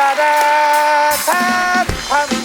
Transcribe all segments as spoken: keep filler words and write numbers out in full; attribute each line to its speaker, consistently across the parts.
Speaker 1: ดาทาทัน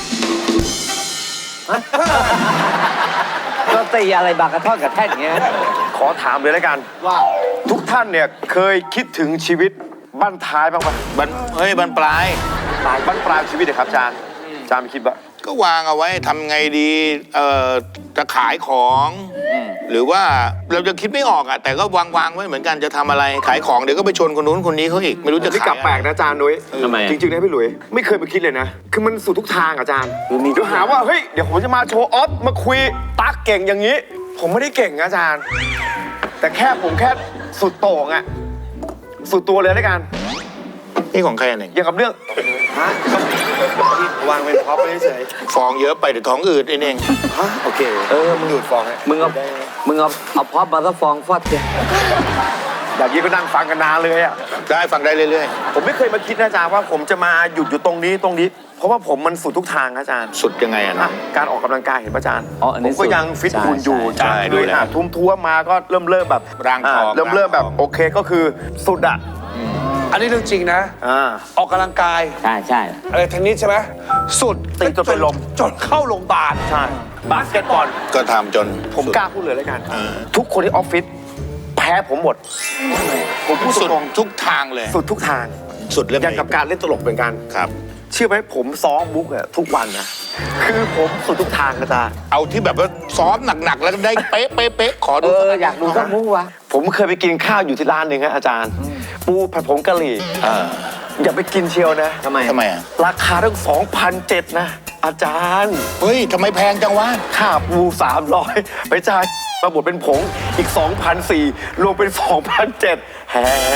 Speaker 2: ก็ตีอะไรบางกระท่อนกับแท่นเงี้ย
Speaker 3: ขอถามเลยแล้วกัน
Speaker 1: ว่า
Speaker 3: ทุกท่านเนี่ยเคยคิดถึงชีวิตบั้นท้ายบ้างปะ
Speaker 4: บันเฮ้ยบันปลาย
Speaker 3: ปลายบั้นปลายชีวิตเนี่ยครับอาจารย์อาจารย์ไม่คิดว่า
Speaker 4: ก็วางเอาไว้ทำไงดีเอ่อจะขายของหรือว่าเราจะคิดไม่ออกอะแต่ก็วางวางไว้เหมือนกันจะทำอะไรขายของเดี๋ยวก็ไปชนคนนู้นคนนี้เขาอีกไม่รู้จะ
Speaker 3: ที่
Speaker 4: ขาย
Speaker 3: กลับแปลกนะอาจารย์นุ้ย
Speaker 2: ทำไมอะ
Speaker 3: จริงๆนะพี่หลุยไม่เคยไปคิดเลยนะ คือมันสู่ทุกทางอาจารย์
Speaker 2: คือมีทุ
Speaker 3: เดี๋ย
Speaker 2: ก
Speaker 3: วหาว่าเฮ้ยเดี๋ยวผมจะมาโชว์ออฟมาคุยตักเก่งอย่างนี้ ผมไม่ได้เก่งนะอาจารย์ แต่แค่ผมแค่สุดโต่งอะสุดตัวเลยแล้วกัน
Speaker 4: นี่ของใครอันหนึ่ง
Speaker 3: อย่างกับเรื่องฮะวางเป็นพ็อปเฉย
Speaker 4: ฟองเยอะไปเดี๋ยวท้องอืดไอ้เน่ง
Speaker 3: ฮะโอเค
Speaker 2: เออ
Speaker 3: มึงดูดฟองฮะ
Speaker 2: มึงเอามึงเอาเอาพอปมาซะฟองฟอดเลย
Speaker 3: อย่างนี้ก็นั่งฟังกันนานเลยอะ
Speaker 4: ได้ฟังได้เรื่อย
Speaker 3: ผมไม่เคยมาคิดนะอาจารย์ว่าผมจะมาหยุดอยู่ตรงนี้ตรงนี้ เพราะว่าผมมันสุดทุกทางนะอาจารย์
Speaker 4: ๆ สุดยังไงอะ
Speaker 3: อ่ะ
Speaker 4: นะ
Speaker 3: การออกกำลังกายเห็นป่ะอาจารย์
Speaker 2: อ๋ออัน
Speaker 3: ผ
Speaker 2: นี้
Speaker 3: มก็ยังฟิตหุ่นอยู่
Speaker 4: ใช่
Speaker 3: จาก
Speaker 4: ดู
Speaker 3: ด้วย
Speaker 4: แล
Speaker 3: หาทุ่มทั่วมาก็เริ่มเริ่มแบบ
Speaker 4: ร่างทอง
Speaker 3: อ่เริ่มเริ่มแบบ
Speaker 4: ร่างทอง
Speaker 3: โอเคก็คือสุดอ่ะ
Speaker 1: อันนี้เรื่องจริงนะ
Speaker 3: อ่า
Speaker 1: ออกกำลังกาย
Speaker 2: ใช่ใช่
Speaker 1: อะไรเทนนิสใช่ไหมสุด
Speaker 3: ตีจนเป็นลม
Speaker 1: จนเข้าโรงพยาบาล
Speaker 3: ใช่บาสเกตบอล
Speaker 4: ก็ทำจน
Speaker 3: ผมกล้าพูดเลยแล้วกัน
Speaker 4: เออ
Speaker 3: ทุกคนที่ออฟฟิศแพ้ผมหมด ผมพูด
Speaker 4: สุด
Speaker 3: ตรง
Speaker 4: ทุกทางเลย
Speaker 3: ๆสุดทุกทาง
Speaker 4: สุดเรื่อง
Speaker 3: อย่างกับการเล่นตลกเหมือนกัน
Speaker 4: ครับ
Speaker 3: เชื่อไหมผมซ้อมมุกอะทุกวันนะคือผมสุดทุกทางอาจารย์
Speaker 4: เอาที่แบบว่าซ้อมหนักๆแล้วได้เป๊ะเป๊ะเป๊ะขอ
Speaker 2: เอ
Speaker 4: ดู
Speaker 2: ออยากดูสักมุ้งวะ
Speaker 3: ผมเคยไปกินข้าวอยู่ที่ร้านหนึ่งฮะอาจารย์ ปูผัดผงกะหรี่
Speaker 4: เออ
Speaker 3: อย่าไปกินเชียวนะ
Speaker 2: ทำไม
Speaker 4: ทำไมอ่ะ
Speaker 3: ราคาตั้งสองพันเจ็ดนะ อาจารย์
Speaker 4: เฮ้ยทำไมแพงจังวะ
Speaker 3: ค่าปูสามร้อยไปจ่ายมาบดเป็นผงอีกสองพันสี่รวมเป็นสองพันเจ็ดแฮ่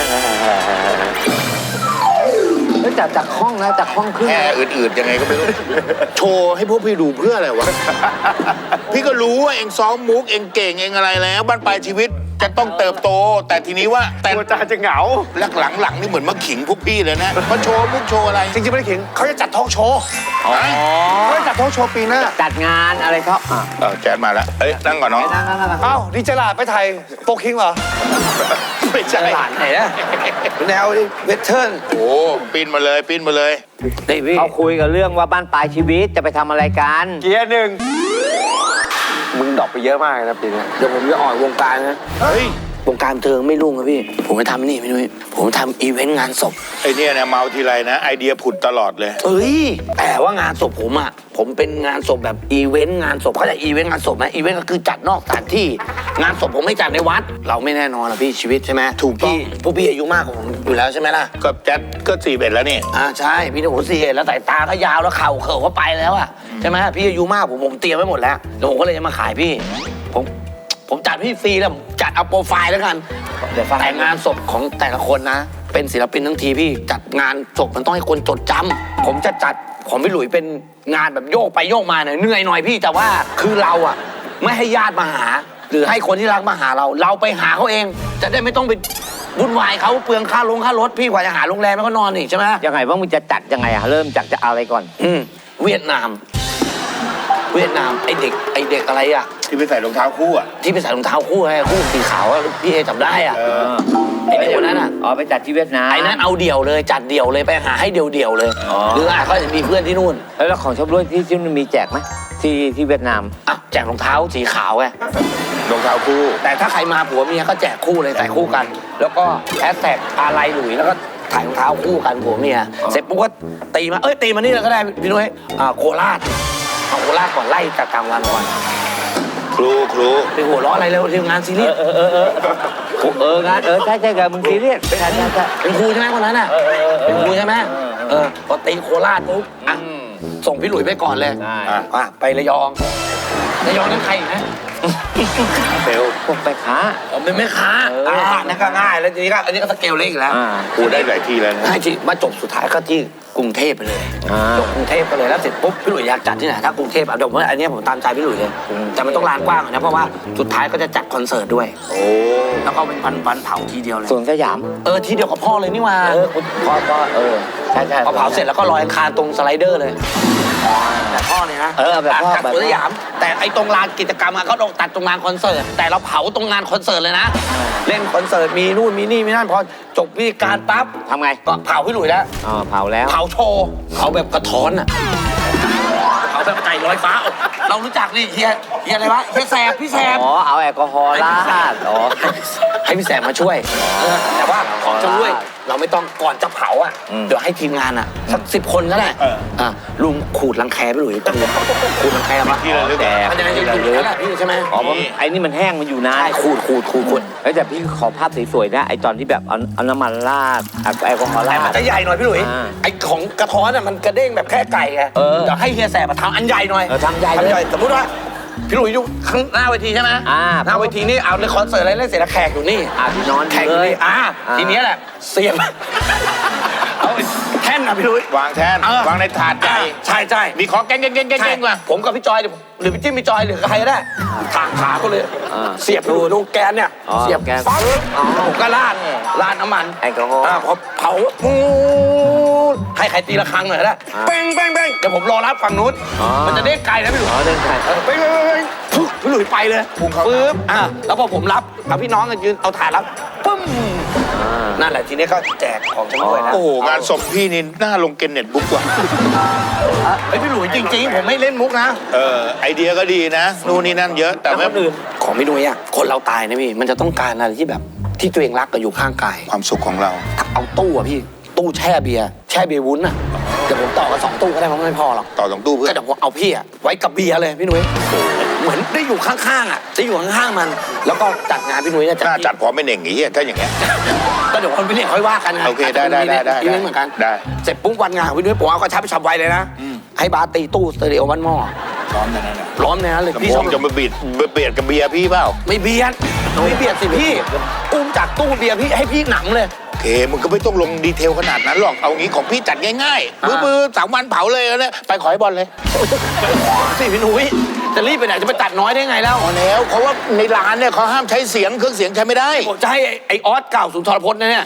Speaker 2: แล้วจากจากห้องนะจากห้องขึ้น
Speaker 4: แค่อืดๆยังไงก็ไม่รู้ โชว์ให้พวกพี่ดูเพื่ออะไรวะ พี่ก็รู้ว่าเองซ้อมมุกเองเก่งเองอะไรแล้วบ้านปลายชีวิตจะต้องเติบโต แต่ทีนี้ว่าแต่
Speaker 3: ตัวอาจารย์จะเหงา
Speaker 4: หลังๆหลังๆนี่เหมือนมาขิงพวกพี่เลยนะมาโชว์มุกโชว์อะไร
Speaker 1: จริงๆไม่ได้ขิงเขาจะจัดทอล์กโชว์
Speaker 2: อ๋อ
Speaker 1: เขาจะจัดทอล์กโชว์ปีหน้า
Speaker 2: จัดงานอะไรเขาอ่ะ
Speaker 4: เออแจ๊ดมาแล้วเอ้ยนั่งก่อนน้อง
Speaker 2: ไปนั่งนั่งนั่ง
Speaker 1: อ้าวดีเจลาดไปไทยโฟคิงเหรอ
Speaker 4: ไม่ใช่
Speaker 2: หลานไหนนะ
Speaker 1: แนวเวทเทิร์น
Speaker 4: โอ้ปีนมาเลยปีนมาเลย
Speaker 2: เขาคุยกับเรื่องว่าบ้านปลายชีวิตจะไปทำอะไรกัน
Speaker 3: เกียร์หนึ่งมึงดรอปไปเยอะมากเลยนะปีนี้
Speaker 5: เดี๋ยวผมจะออกวงการนะ
Speaker 4: เฮ้ยว
Speaker 5: งการบันเทิงไม่รุ่งครับพี่ ผมไปทำนี่พี่นุ้ยผมทำอีเวนต์งานศพ
Speaker 4: ไอเนี่ยเนี่ยเมาทีไรนะ ไอเดียผุดตลอดเลย
Speaker 5: เอ้ย แต่ว่างานศพผมอ่ะ ผมเป็นงานศพแบบอีเวนต์งานศพเขาจะอีเวนต์งานศพไหมอีเวนต์ก็คือจัดนอกสถานที่ งานศพผมไม่จัดในวัด เราไม่แน่นอนหรอกพี่ชีวิตใช่ไหม
Speaker 4: ถูกต้อง
Speaker 5: พี่พวกพี่อายุมากกว่าผมอยู่แล้วใช่ไหมล่ะ
Speaker 4: ก็แจ๊ดก็สี่เบ็ดแล้วนี่
Speaker 5: อ่าใช่พี่โอ้โหสี่แล้วสายตาก็ยาวแล้วเข่าเข่าก็ไปแล้วอ่ะใช่ไหมพี่อายุมากผมผมเตรียมไว้หมดแล้วแล้วผมก็เลยจะมาขายพี่ผมผมจัดพี่ฟรีแล้วผมจัดเอาโปรไฟล์แล้วกันแต่งานศพของแต่ละคนนะ เป็นศิลปินทั้งทีพี่จัดงานศพมันต้องให้คนจดจำผมจะจัดของพี่หลุยเป็นงานแบบโยกไปโยกมาหน่อยเหนื่อยหน่อยพี่แต่ว่าคือเราอ่ะไม่ให้ญาติมาหา หรือให้คนที่รักมาหาเรา เราไปหาเขาเอง จะได้ไม่ต้องไปวุ่นวายเขาเปลืองค่าลงค่ารถพี่กว่าจะหาโรงแรมแล้วก็นอนอีกใช่ไหม
Speaker 2: ยังไงว่ามึงจะจัดยังไงอะเริ่มจากจะอะไรก่อน
Speaker 5: อืมเวียดนาม เวียดนามไอเด็กไอเด็กอะไรอ่ะ
Speaker 4: ที่ไปใส่รองเท้าคู่อ่ะ
Speaker 5: ที่ไปใส่รองเท้าคู่ให้คู่สีขาวอะพี่เอจำได้อ่ะไอเด็กคนนั้นอ่ะ
Speaker 2: อ๋อไปจัดที่เวียดนาม
Speaker 5: ไอนั้นเอาเดี่ยวเลยจัดเดี่ยวเลยไปหาให้เดี่ยวเดี่ยวๆเลย
Speaker 2: อ๋อ
Speaker 5: หรืออาจเขาจะมีเพื่อนที่นู่น
Speaker 2: แล้วของชมรวยที่ที่มันมีแจกไหมที่ที่เวียดนาม
Speaker 5: อ่ะแจกรองเท้าสีขาวไง
Speaker 4: รองเท้าคู่
Speaker 5: แต่ถ้าใครมาผัวเมียก็แจกคู่เลยใส่คู่กัน แล้วก็แฮชแท็กอะไรหลุยแล้วก็ถ่ายรองเท้าคู่กันผัวเมียเสร็จปุ๊บก็ตีมาเอ้ยตีมานี่เลยก็ได้พี่นุ้ยอ่าโคราชเอาโคราชก่อนไล่จากกลางวันก่อน
Speaker 4: ครูครู
Speaker 5: ไปหัวเราะอะไรแล้วทีมงานซีรีส์
Speaker 2: เออเออเออเอองานเออใช่ใช่กับมึงซีเรียสเป็นอะไรใช่
Speaker 5: เป็นครูใช่ไหมคนนั้นน่ะเป็นครูใช่ไหมเออพอตีโคราชปุ๊บอ่ะส่งพี่หลุยไปก่อนเลย
Speaker 2: ใช่
Speaker 4: อ่ะ
Speaker 5: อ่ะไประยองระยองนั่นใครอีกนะ
Speaker 4: เฟล
Speaker 2: พวกไปค้า
Speaker 5: ผมเป็นแม่ค้า
Speaker 2: เอออ่
Speaker 5: อ่านั่นก็ง่ายแล้วทีนี้ก็อันนี้ก็สเกลเล็กอีกแล้ว
Speaker 2: อ่า
Speaker 4: ครูได้หลายทีแล้วนะ
Speaker 5: ง่ายจริงมาจบสุดท้ายก็ที่กรุงเทพไปเลย
Speaker 2: อ่า
Speaker 5: จบกรุงเทพไปเลยแล้วเสร็จปุ๊บพี่หลุยอยากจัดที่ไหนถ้ากรุงเทพอ่ะเดี๋ยวผมว่าอันนี้ผมตามใจพี่หลุยเลยแต่มันต้องลานกว้างหน่อยนะเพราะว่าสุดท้ายก็จะจัดคอนเสิร์ตด้วย
Speaker 4: โอ้
Speaker 5: แล้วก็เป็นวันวันเผาทีเดียวเลย
Speaker 2: สวนสยาม
Speaker 5: เออทีเดียวกับพ่อเลยนี่หว่า
Speaker 2: เออคุณพ่อก็เออใช่ใช่
Speaker 5: พอเผาเสร็จแล้วก็ลอยอังคารตรงสไลเดอร์เลยแต่พ่อเนี่ยนะ
Speaker 2: เออแบบพ่อ
Speaker 5: จาก
Speaker 2: แบบ
Speaker 5: สวนสยาม แต่ไอ้ตรงลานกิจกรรมอะเขาต้องตัดตรงงานคอนเสิร์ตแต่เราเผาตรงงานคอนเสิร์ตเลยนะ เล่นคอนเสิร์ตมีนู่นมีนี่มีนั่นพอจบพิธีการปั๊บ
Speaker 2: ทำไง
Speaker 5: ก็เผาพี่หลุยแล้ว
Speaker 2: อ๋อเผาแล้ว
Speaker 5: เผาโชว์เผาแบบกระท้อนอ่ะเผาแบบไก่ลอยฟ้า เรารู้จักนี่เฮียเฮียอะไรวะเฮียแสบพี่แสบ
Speaker 2: อ๋อเอาแอลกอฮอล์ราดอ๋อ
Speaker 5: ให้พี่แสบมาช่วยเออแต่ว่าของจะด้วยเราไม่ต้องก่อนจะเผาอ่ะ
Speaker 2: อืม
Speaker 5: เดี๋ยวให้ทีมงานอ่ะสักสิบคนก็ได้อ่ะลุงขูดรังแคไปหลุยตั้งขูดรังแคมา
Speaker 4: ที่ระลึก
Speaker 2: แต่
Speaker 5: มันจะได้อยู่นั่นแหละพี่ใช่ไหม
Speaker 2: อ๋อเพราะไอ้นี่มันแห้งมันอยู่นาน
Speaker 5: ใช่ขูดขูดขูดขูด
Speaker 2: เฮ้ยแต่พี่ขอภาพสวยๆนะไอ้ตอนที่แบบเอาเอาน้ำมันราดเอาแอลกอฮอล์
Speaker 5: แต่
Speaker 2: รา
Speaker 5: มัน
Speaker 2: ด
Speaker 5: จะใหญ่หน่อยพี่หลุย
Speaker 2: อ่า
Speaker 5: ไอของกระท้อนอ่ะมันกระเด้งแบบแค่ไก่ไง
Speaker 2: เออ
Speaker 5: เดี๋ยวให้เฮียแสบมาทำอันใหญ่หน่อย
Speaker 2: เออทำใหญ่เลย
Speaker 5: ทำใหญ่สมมติว่าพี่หลุยอยู่ข้างหน้าเวทีใช่ไหม
Speaker 2: อ่า
Speaker 5: หน้าเวทีนี่เอาในคอนเสิร์ตอะไรเล่นเสร็จแล้วแขกอยู่นี่
Speaker 2: อ่ะพี่นอน
Speaker 5: แข่ง
Speaker 2: เล
Speaker 5: เลย ยอ่า
Speaker 2: อ่า
Speaker 5: ทีเนี้ยแหละ เสียบ เอาแท่นนะพี่ลุยว
Speaker 4: างแทน
Speaker 5: เออ
Speaker 4: วางในถาดใหญ่
Speaker 5: ใช่ใช่
Speaker 4: มีของแกงแกงแกงแกง
Speaker 5: ใช่
Speaker 4: แกงว่ะ
Speaker 5: ผมกับพี่จอยเนี่ยหรือพี่จิ้มพี่จอยหรือใครก็ได้ทางขาก็เลย
Speaker 2: อ่า
Speaker 5: เสียบพี่ลุยลูกแกนเนี่ย
Speaker 2: อ๋อ
Speaker 5: เสียบ
Speaker 2: แกน
Speaker 5: ปั๊บ
Speaker 2: อ๋อ
Speaker 5: ผมก็ราดราดน้ำมัน
Speaker 2: แอลกอฮอล์
Speaker 5: อ่าพอเผาปูดให้ใครตีละครั้งหน่อยนะ
Speaker 2: อ่า
Speaker 5: เป้งเป้งเป้งเดี๋ยวผมรอรับฝั่งนู้น
Speaker 2: อ๋อ
Speaker 5: มันจะได้ไกลนะพี่หลุย
Speaker 2: อ๋อเดินไกล
Speaker 5: เออเป้งเป้งเป้งเป้งปุ๊บพี่หลุยไปเลยปึ๊บอ่าแล้วพอผมรับเอาพี่น้องกันยืนเอาถาดรับปึ้ม
Speaker 2: อ่า
Speaker 5: นั่นแหละทีนี้ก็แจกของชำร่วยนะ
Speaker 4: โอ้โหงานศพพี่นี่น่าลงเกนเน็ตบุ๊กว่ะ
Speaker 5: ไอยพี่หลุยจริงๆ ผมไม่เล่นมุกนะ
Speaker 4: เออไอเดียก็ดีนะนู่นนี่นั่นเยอะแต่ไม่
Speaker 5: คนอื่นของพี่หลุยอ่ะคนเราตายนะพี่มันจะต้องการอะไรที่แบบที่ตัวเองรักก็อยู่ข้างกาย
Speaker 4: ความสุขของเรา
Speaker 5: เอาตู้อะพี่ตู้แช่เบียร์แช่เบียร์วุ้นอ่ะเดี๋ยวผมต่อกันสองตู้ก็ได้เพราะไม่พอหรอก
Speaker 4: ต่อสองตู้เพื่
Speaker 5: ก็
Speaker 4: อน
Speaker 5: เดี๋ยวผมเอาพี่อะไว้กับเบียร์เลยพี่หนุ่ยเหมือนได้อยู่ข้างๆอ่ะได้อยู่ข้างๆมัน แล้วก็จัดงานพี่หนุ่ยเนี่ย
Speaker 4: น่าจัดพร้อมเป็นเองอย่างเงี้ยถ้าอย่างเงี้ย
Speaker 5: ก็เดี๋ยวคนไปเรียกค่อยว่ากันไง
Speaker 4: โอเคได้ได้ได้ได้
Speaker 5: อีเวนต์เหมือนกัน
Speaker 4: ได้
Speaker 5: เสร็จปุ๊บวันงานของพี่หนุ่ยผมเอากระชับฉับไวเลยนะให้บาร์ตีตู้สเตอริโอวันหม้อ
Speaker 4: พร้อมกันนั่นแหละ
Speaker 5: ร้อนในนั้นเลย
Speaker 4: ลำ
Speaker 5: พี่
Speaker 4: โพ
Speaker 5: ชอง บ
Speaker 4: จะมาบีดเบียดกับเบียร์พี่เปล่า
Speaker 5: ไม่เบียดไม่เบียดสิพี่อุ้มจากตู้เบียร์พี่ให้พี่หนำเลย
Speaker 4: โอเคมึงก็ไม่ต้องลงดีเทลขนาดนั้นหรอกเอางี้ของพี่จัดง่ายๆ
Speaker 5: อ่า
Speaker 4: มือๆสามวันเผาเลยนะไปขอให้บอลเลย
Speaker 5: สิพี่หนุ่ยจะรีบไปไหนจะไปตัดน้อยได้ไงแล้ว
Speaker 4: พอแล้วเพราะว่าในร้านเนี่ยเขาห้ามใช้เสียงเครื่องเสียงใช้ไม่ได้
Speaker 5: ผมจะให้ไอ้ไอออสเก่าสุนทรพจน์นะเนี่ย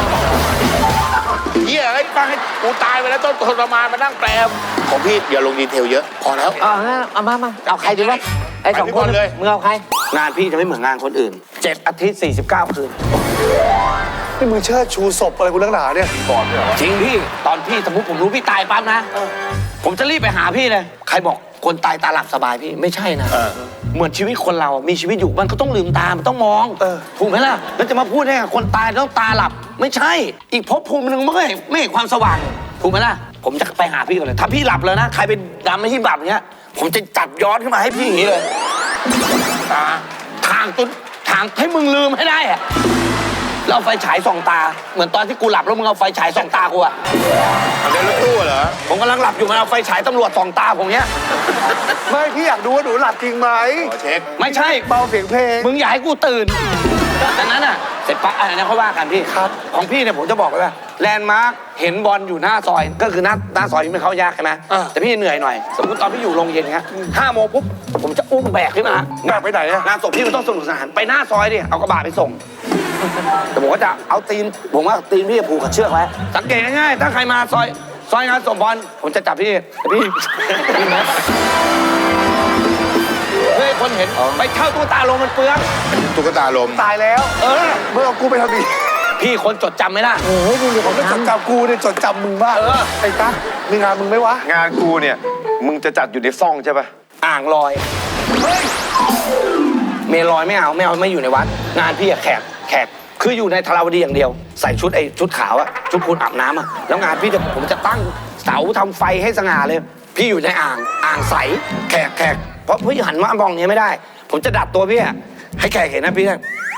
Speaker 4: เฮียไอ้ฟังให้กูตายไปแล้วต้องทรมานมานั่งแปลของพี่อย่าลงดีเทลเยอะ พอแล้ว
Speaker 2: เอางั้นเอามามาเอาใครดีวะไอ้สอง
Speaker 4: ไปพี่
Speaker 2: ค
Speaker 4: บ
Speaker 2: น
Speaker 4: อลเลย
Speaker 2: มึงเอาใคร
Speaker 5: งานพี่จะไม่เหมือนงานคนอื่นเจ็ดอาทิตย์สี่สิบเก้าคืน
Speaker 1: นี่มึงเชิดชูศพอะไรกูนักหนาเนี่ย
Speaker 5: จริงพี่ตอนพี่สมมติผมรู้พี่ตายปั๊บนะ ผมจะรีบไปหาพี่เลย ใครบอกคนตายตาหลับสบายพี่ไม่ใช่นะ
Speaker 4: เออ
Speaker 5: เหมือนชีวิตคนเราอะมีชีวิตอยู่มันก็ต้องลืมตา มันต้องมอง
Speaker 1: เออ
Speaker 5: ถูกไหมล่ะแล้วจะมาพูดได้ไงคนตายต้องตาหลับ ไม่ใช่ อีกภพภูมิหนึ่งมันก็เห็นไม่เห็นความสว่าง ถูกไหมล่ะ ผมจะไปหาพี่ก่อนเลย ถ้าพี่หลับแล้วนะ ใครเป็นดำไม่ที่หลับเนี้ย ผมจะจัดย้อนขึ้นมาให้พี่อย่างนี้เลยตาทางจนทางให้มึงลืมให้ได้อะแล้วเอาไฟฉายส่องตา เหมือนตอนที่กูหลับแล้วมึงเอาไฟฉายส่องตากูอะ
Speaker 4: เอาเดินรถตู้เหรอ
Speaker 5: ผมกำลังหลับอยู่มันเอาไฟฉายตำรวจส่องตาผมเนี้ย
Speaker 1: ไม่พี่อยากดูว่าหนูหลับจริงไหม
Speaker 4: ขอเช็ค
Speaker 5: ไม่ใช่
Speaker 1: เบาเสียงเพลง
Speaker 5: มึงอย่าให้กูตื่นดังนั้นอ่ะ เสร็จปั๊บอะไรนะเขาว่ากันพี่
Speaker 1: ครับ
Speaker 5: ของพี่เนี่ยผมจะบอกเลยว่าแลนด์มาร์คเห็นบอลอยู่หน้าซอย ก็คือหน้าหน้าซอยที่มันเข้ายากใช่ไหม
Speaker 1: อ่า
Speaker 5: แต่พี่เหนื่อยหน่อย สมมติตอนพี่อยู่โรงเย็นเงี้ยห้าโมงปุ๊บ ผมจะอุ้มแบกขึ้นมา
Speaker 1: แบกไปไหนอะ
Speaker 5: งานศพพี่มันต้องสนุกสนาน ไปหน้าซอยดิ เอากระบะไปส่ง แต่ผมก็จะเอาตีน ผมว่าตีนพี่ผูกกับเชือกไว้ สังเกตง่ายๆถ้าใครมาซอย ซอยงานศพบอล ผมจะจับพี่แต่พี่ เฮ้ยคนเห็นไปเช่าตู้ตาลงมันเปลือง
Speaker 4: ตุ๊กตาลม
Speaker 1: ตายแล้ว
Speaker 5: เออ
Speaker 1: เมื่อเอากูไปทำดี
Speaker 5: พี่คนจดจำไหมล่ะ
Speaker 2: โอ้ยมึงดูของ
Speaker 1: ไม่จด
Speaker 2: ทำ
Speaker 1: จำกูเนี่ยจดจำมึงมาก
Speaker 5: เออ
Speaker 1: ไอ้ตามีงานมึงไหมวะ
Speaker 3: งานกูเนี่ย มึงจะจัดอยู่ในซ่องใช่ปะ
Speaker 5: อ่างลอย เมลอยไม่เอาไม่เอาไม่อยู่ในวัด งานพี่อะแขกแขกคืออยู่ในธาราวดีอย่างเดียว ใส่ชุดไอ้ชุดขาวอะชุดคุณอาบน้ำอะแล้วงานพี่จะผมจะตั้งเสาทำไฟให้สง่าเลย พี่อยู่ในอ่างอ่างใสแขกแขกเพราะพี่หันมามองอย่างนี้ไม่ได้ ผมจะดัดตัวพี่อะให้แขกเห็นนะพี่นะ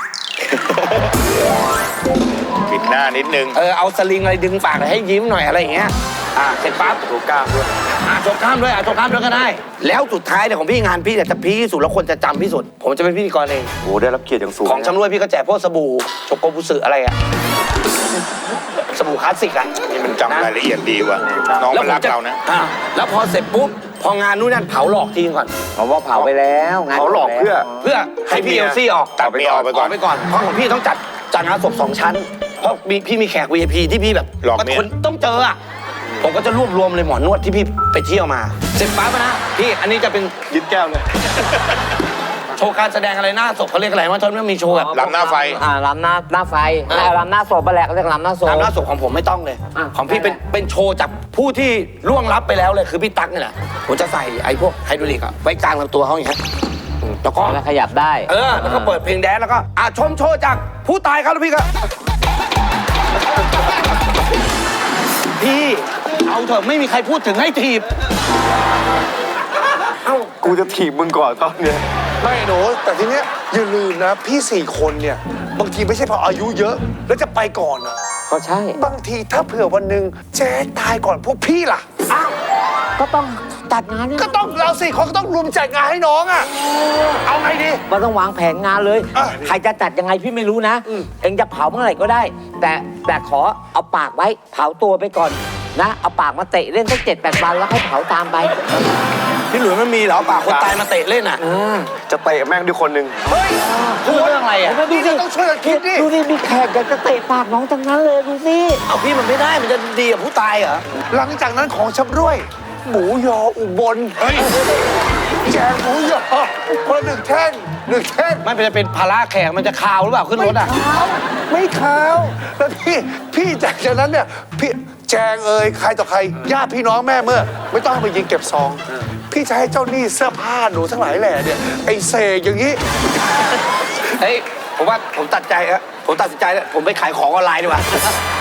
Speaker 4: ปิดหน้านิดนึง
Speaker 5: เออเอาสลิงอะไรดึงปากให้ยิ้มหน่อยอะไรอย่างเงี้ยอ่าเสร็จปั๊บถูกกล้ามด้วยอ่าถูกกล้ามด้วยอ่าถูกกล้ามด้วยก็ได้ แล้วสุดท้ายเนี่ยของพี่งานพี่เนี่ยจะพีคที่สุดแล้วคนจะจำที่สุด ผมจะเป็นพิธีกรเอง
Speaker 3: โอ้ได้รับเกียรติอย่างสูง
Speaker 5: ของชำร่วยพี่ก็แจกพวกสบู่โชโกบุสึอะไรอะสบู่คลาสสิกอะ
Speaker 4: นี่มันจำรายละเอียดดีว่ะน้องมันรักเรานะ
Speaker 5: อ่าแล้วพอเสร็จปุ๊บพองานนู้นนั่นเผาหลอกทิ้งก่อน
Speaker 2: เขาว่าเผาไปแล้วงาน
Speaker 3: เขาหลอกเพื่อ
Speaker 5: เพื่อให้พี่เอลซี่ออก
Speaker 4: ตัดไม่ออกไปก่อน
Speaker 5: ไปก่อนเพราะของพี่ต้องจัดจัดงานศพสองชั้น เพราะมีพี่มีแขก วี ไอ พี ที่พี่แบบ
Speaker 4: หลอกเมีย
Speaker 5: คนต้องเจออะผมก็จะรวบรวมเลยหมอนวดที่พี่ไปเที่ยวมาเสร็จปั๊บนะพี่อันนี้จะเป็น
Speaker 3: ยึดแก้วเลย
Speaker 5: โชว์การแสดงอะไรหน้าศพเขาเรียกอะไรว่าตอนนี้มีโชว์แบบ
Speaker 4: ลำหน้าไฟ
Speaker 2: อ่าลำหน้าหน้าไฟ
Speaker 5: อ่า
Speaker 2: อ่าลำหน้าศพไปแหละเรียกลำหน้าศพ
Speaker 5: ตามหน้าศพของผมไม่ต้องเลย
Speaker 2: อ่ะ
Speaker 5: ของพี่เป็นเป็นโชว์จากผู้ที่ล่วงลับไปแล้วเลยคือพี่ตั๊กนี่แหละผมจะใส่ไอ้พวกไฮดรอลิกอะไว้กลางลำตัวเขาอย่างเงี้ยอืมแล้วก็
Speaker 2: แล้วขยับได้
Speaker 5: เออแล้วก็เปิดเพลงแดนซ์แล้วก็อ่ะชมโชว์จากผู้ตายครับแล้วพี่ก็พี่เอาเถอะไม่มีใครพูดถึงให้ถีบ
Speaker 3: เอ้ากูจะถีบมึงก่อนตอนเนี้ย
Speaker 1: ไม่หนูแต่ทีเนี้ยอย่าลืมนะพี่สี่คนเนี่ยบางทีไม่ใช่เพราะอายุเยอะ แล้วจะไปก่อนอะ
Speaker 2: ก็ใช่
Speaker 1: บางทีถ้าเผื่อวันหนึ่งเจ๊ตายก่อนพวกพี่ล่ะอ้าว
Speaker 2: ก็ต้องจัดงานเนี่ย
Speaker 1: ก็ต้องเราสี่คนก็ต้องรวมจัดงานให้น้องอะเอาไงดี
Speaker 2: มันต้องวางแผนงานเลย
Speaker 1: อ่ะ
Speaker 2: ใครจะจัดยังไงพี่ไม่รู้นะ เองจะเผาเมื่อไหร่ก็ได้ แต่แต่ขอเอาปากไว้ เผาตัวไปก่อนนะ เอาปากมาเตะเล่นสักเจ็ดแปดวันแล้วค่อยเผาตามไป
Speaker 5: พี่หลุยมันมีเหรอป่าคนตายมาเตะเล่นอ่ะ
Speaker 3: จะเตะแม่งด้วยคนหนึ่ง
Speaker 1: เฮ้ย
Speaker 5: พูดเรื่องอะไรอ่ะ
Speaker 2: ดู
Speaker 1: พี่
Speaker 2: สิ
Speaker 1: ก็ต้องช่วยกันคิดดิ
Speaker 2: ดูสิมีแขกอยากจะเตะปากน้องทั้งนั้นเลยดูสิ
Speaker 5: เอาพี่มันไม่ได้มันจะดีกับผู้ตายเหรอ
Speaker 1: หลังจากนั้นของชำร่วย หมูยออุบลแจกหมูยอคนละหนึ่งแท่งหนึ่งแท่ง
Speaker 5: มันจะเป็นภาระแขกมันจะคาวหรือเปล่าขึ้นรถอ่ะ
Speaker 1: ไม่ขาวแล้วพี่พี่จากจากนั้นเนี่ยพี่แจงเอ่ยใครต่อใครญาติพี่น้องแม่เมื่อ ไม่ต้องให้มายิงเก็บซอง พี่จะให้เจ้าหนี้เสื้อผ้าหนูทั้งหลายแหล่เนี่ยไอ้เสกอย่างนี้
Speaker 5: เฮ้ยผมว่าผมตัดใจแล้วผมตัดสินใจแล้วผมไปขายของออนไลน์ดีกว่า